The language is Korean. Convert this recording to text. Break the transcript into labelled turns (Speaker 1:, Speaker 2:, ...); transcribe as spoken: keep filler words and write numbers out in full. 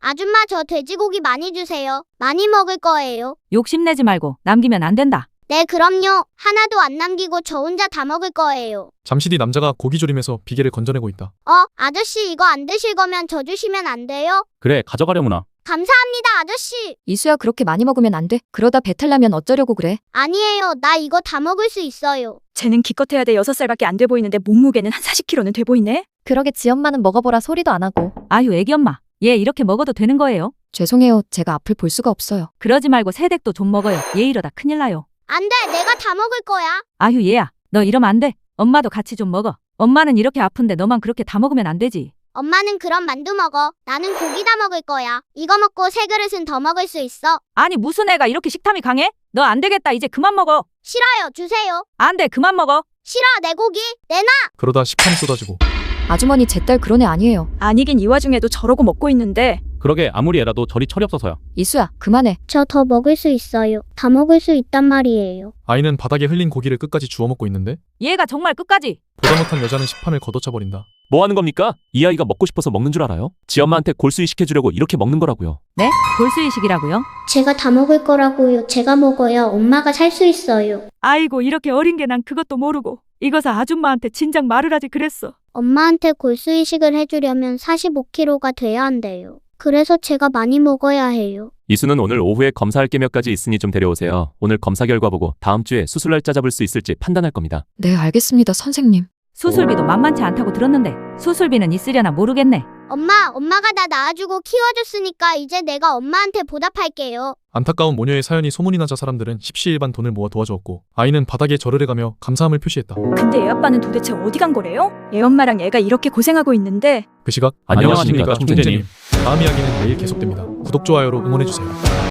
Speaker 1: 아줌마 저 돼지고기 많이 주세요. 많이 먹을 거예요.
Speaker 2: 욕심내지 말고 남기면 안 된다.
Speaker 1: 네, 그럼요. 하나도 안 남기고 저 혼자 다 먹을 거예요.
Speaker 3: 잠시 뒤 남자가 고기조림에서 비계를 건져내고 있다.
Speaker 1: 어, 아저씨 이거 안 드실 거면 저 주시면 안 돼요?
Speaker 4: 그래, 가져가려무나.
Speaker 1: 감사합니다, 아저씨.
Speaker 5: 이수야 그렇게 많이 먹으면 안 돼. 그러다 배탈 나면 어쩌려고 그래.
Speaker 1: 아니에요. 나 이거 다 먹을 수 있어요.
Speaker 6: 쟤는 기껏해야 돼 여섯 살밖에 안 돼 보이는데 몸무게는 한 사십 킬로그램는 돼 보이네.
Speaker 5: 그러게 지 엄마는 먹어보라 소리도 안 하고.
Speaker 2: 아유 애기 엄마. 얘 이렇게 먹어도 되는 거예요?
Speaker 5: 죄송해요. 제가 앞을 볼 수가 없어요.
Speaker 2: 그러지 말고 새댁도 좀 먹어요. 얘 이러다 큰일 나요.
Speaker 1: 안 돼. 내가 다 먹을 거야.
Speaker 2: 아유 얘야. 너 이러면 안 돼. 엄마도 같이 좀 먹어. 엄마는 이렇게 아픈데 너만 그렇게 다 먹으면 안 되지.
Speaker 1: 엄마는 그럼 만두 먹어. 나는 고기 다 먹을 거야. 이거 먹고 세 그릇은 더 먹을 수 있어.
Speaker 2: 아니 무슨 애가 이렇게 식탐이 강해? 너 안 되겠다. 이제 그만 먹어.
Speaker 1: 싫어요. 주세요.
Speaker 2: 안 돼. 그만 먹어.
Speaker 1: 싫어. 내 고기. 내놔.
Speaker 3: 그러다 식탐이 쏟아지고
Speaker 5: 아주머니 제 딸 그런 애 아니에요.
Speaker 6: 아니긴 이 와중에도 저러고 먹고 있는데.
Speaker 4: 그러게 아무리 애라도 저리 철이 없어서요.
Speaker 5: 이수야 그만해.
Speaker 1: 저 더 먹을 수 있어요. 다 먹을 수 있단 말이에요.
Speaker 3: 아이는 바닥에 흘린 고기를 끝까지 주워 먹고 있는데
Speaker 2: 얘가 정말 끝까지.
Speaker 3: 보다 못한 여자는 식판을 걷어차버린다.
Speaker 4: 뭐 하는 겁니까? 이 아이가 먹고 싶어서 먹는 줄 알아요? 지 엄마한테 골수이 시켜주려고 이렇게 먹는 거라고요.
Speaker 2: 네? 골수이식이라고요?
Speaker 1: 제가 다 먹을 거라고요. 제가 먹어야 엄마가 살 수 있어요.
Speaker 6: 아이고 이렇게 어린 게 난 그것도 모르고. 이거사 아줌마한테 진작 말을 하지 그랬어.
Speaker 1: 엄마한테 골수 이식을 해주려면 사십오 킬로그램가 돼야 한대요. 그래서 제가 많이 먹어야 해요.
Speaker 4: 이수는 오늘 오후에 검사할 게 몇 가지 있으니 좀 데려오세요. 오늘 검사 결과 보고 다음 주에 수술 날짜 잡을 수 있을지 판단할 겁니다.
Speaker 5: 네 알겠습니다 선생님.
Speaker 2: 수술비도 만만치 않다고 들었는데 수술비는 있으려나 모르겠네.
Speaker 1: 엄마, 엄마가 나 낳아주고 키워줬으니까 이제 내가 엄마한테 보답할게요.
Speaker 3: 안타까운 모녀의 사연이 소문이 나자 사람들은 십시일반 돈을 모아 도와주었고 아이는 바닥에 절을 해가며 감사함을 표시했다.
Speaker 6: 근데 애 아빠는 도대체 어디 간 거래요? 얘 엄마랑 얘가 이렇게 고생하고 있는데.
Speaker 3: 그 시각
Speaker 4: 안녕하십니까, 총재님.
Speaker 3: 다음 이야기는 내일 계속됩니다. 구독, 좋아요로 응원해주세요.